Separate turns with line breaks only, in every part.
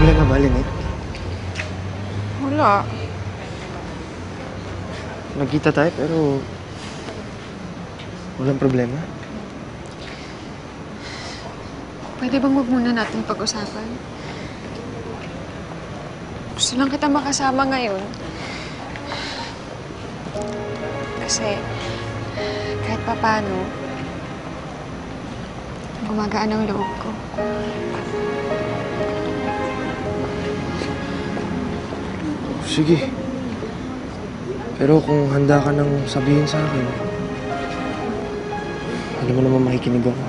problema ba, Lynette?
Wala.
Nagkita tayo pero walang problema.
Pwede bang wag muna natin pag-usapan? Gusto lang kita makasama ngayon. Kasi kahit papano, gumagaan ang loob ko.
Sige. Pero kung handa ka nang sabihin sa akin, alam mo naman makikinig ako.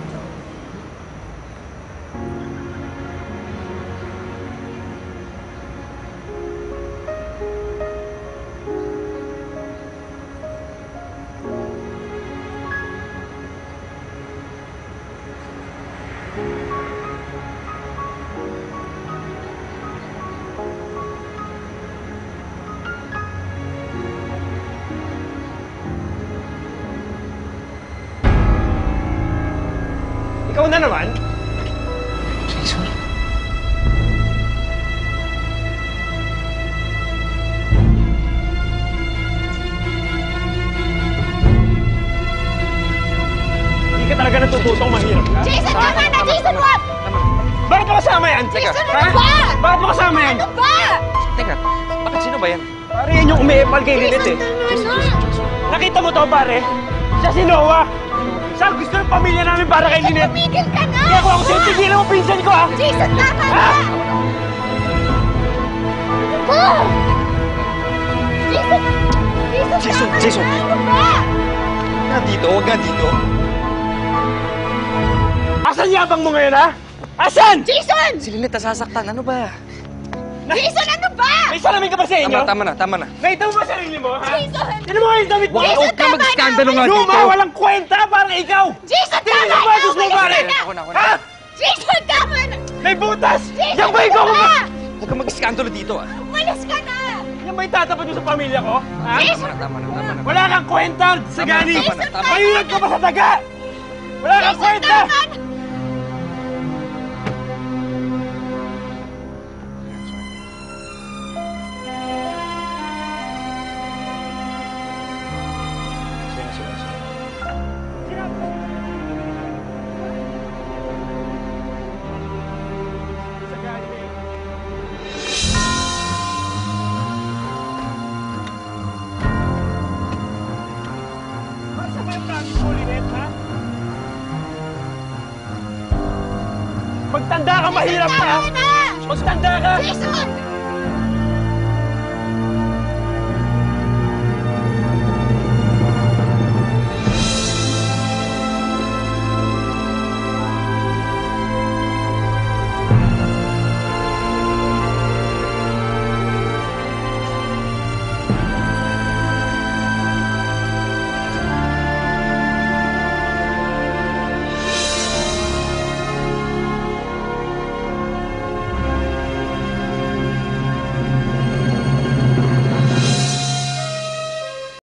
Ikaw na naman?
Jason?
Hindi ka talaga natututong mahirap ka?
Jason, tama na! Jason, wag!
Bakit mo kasama yan?
Jason,
Ha?
ano ba?
Bakit mo kasama yan?
Ano ba?
Teka, bakit sino ba yan?
Pare, yan yung umiepal kay Lynette eh. Nakita mo to, pare? Siya si Noah. Siya ang gusto ng pamilya namin para kay Lynette.
Tumigil ka na!
Kaya kung ako sa'yo, tigilan mo pinsan ko, ha?
Jason, tama na!
Ha?
Oh! Jason!
Jason,
tama
Jason.
na! Ano ba?
Nga dito, huwag nga dito.
Asan yabang mo ngayon, ha? Asan?
Jason!
Si Lynette nasasaktan, ano ba?
Jason, ano ba?
May salamin ka ba sa inyo?
Tama na.
Nakita mo ba sarili mo, ha?
Jason!
Sino mo yung damit mo?
Jason,
Huwag ka
tama
mag-skandalo nga dito.
Luma, walang kwenta, parang ikaw!
Jason,
Tingnan
tama
mo ba,
na!
Diyos mo,
Umalis
pare?
ka na!
Ako na.
Ha?
Jason, tama na!
May butas!
Jason,
Yan ba ikaw?
ano ba?
Huwag ka mag-skandalo dito, ah.
Umalis ka na!
Yan ba itatapat mo sa pamilya ko? Ha?
Jason!
Tama na.
Wala kang kwenta, Sagani!
Tama na.
Mayunod ka pa sa daga! Wala kang
Jason,
kwenta!
tama na!
Basta ba yung promise mo, Lynette, ha? Magtanda ka, mahirap ka!
Tama na!
Magtanda ka!
Jason!